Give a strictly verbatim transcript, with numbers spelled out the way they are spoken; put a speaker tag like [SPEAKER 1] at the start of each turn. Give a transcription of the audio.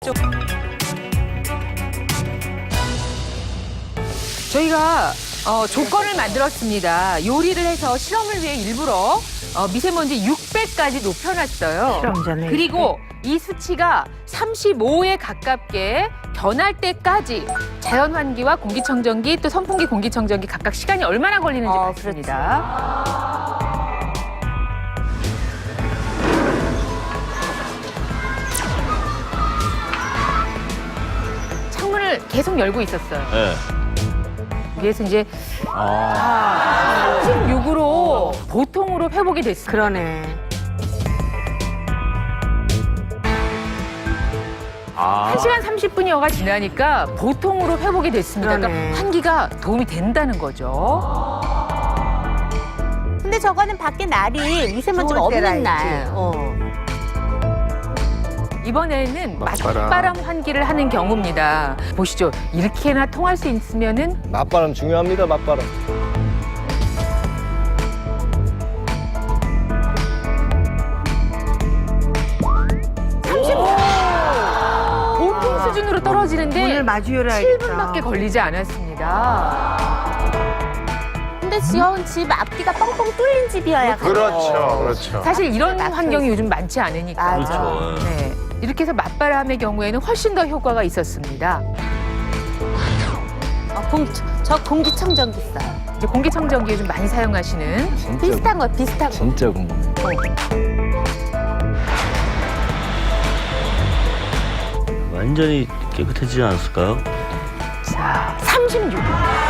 [SPEAKER 1] 저희가 어, 조건을 만들었습니다. 요리를 해서 실험을 위해 일부러 어, 미세먼지 육백까지 높여놨어요.
[SPEAKER 2] 실험 전에.
[SPEAKER 1] 그리고 이 수치가 삼십오에 가깝게 변할 때까지 자연환기와 공기청정기 또 선풍기 공기청정기 각각 시간이 얼마나 걸리는지
[SPEAKER 2] 어,
[SPEAKER 1] 봤습니다. 창문을 계속 열고 있었어요.
[SPEAKER 3] 네.
[SPEAKER 1] 위에서 이제
[SPEAKER 3] 아.
[SPEAKER 1] 삼십육으로 보통으로 회복이 됐습니다.
[SPEAKER 2] 그러네.
[SPEAKER 3] 아.
[SPEAKER 1] 한 시간 삼십 분여가 지나니까 보통으로 회복이 됐습니다.
[SPEAKER 2] 그러네.
[SPEAKER 1] 그러니까 환기가 도움이 된다는 거죠.
[SPEAKER 4] 근데 저거는 밖에 날이 미세먼지가
[SPEAKER 2] 좋을 때라
[SPEAKER 4] 없는 날.
[SPEAKER 2] 했지.
[SPEAKER 4] 어.
[SPEAKER 1] 이번에는
[SPEAKER 5] 맞바람.
[SPEAKER 1] 맞바람 환기를 하는 경우입니다. 보시죠. 이렇게나 통할 수 있으면은
[SPEAKER 5] 맞바람 중요합니다, 맞바람.
[SPEAKER 1] 보통 수준으로 떨어지는데
[SPEAKER 2] 문을 마주 열어야겠다.
[SPEAKER 1] 칠 분밖에 걸리지 않았습니다.
[SPEAKER 4] 근데 지어온 집 앞뒤가 뻥뻥 뚫린 집이어야
[SPEAKER 5] 그렇죠, 그렇죠.
[SPEAKER 1] 사실 이런 환경이 요즘 많지 않으니까.
[SPEAKER 4] 맞아.
[SPEAKER 3] 그렇죠.
[SPEAKER 1] 네. 이렇게 해서 맞바람의 경우에는 훨씬 더 효과가 있었습니다.
[SPEAKER 4] 어, 공기, 저 공기청정기 써요.
[SPEAKER 1] 이제 공기청정기 요즘 많이 사용하시는
[SPEAKER 5] 진짜,
[SPEAKER 4] 비슷한 거, 비슷한 거.
[SPEAKER 5] 진짜 궁금해.
[SPEAKER 3] 완전히 깨끗해지지 않았을까요?
[SPEAKER 1] 자, 삼십육.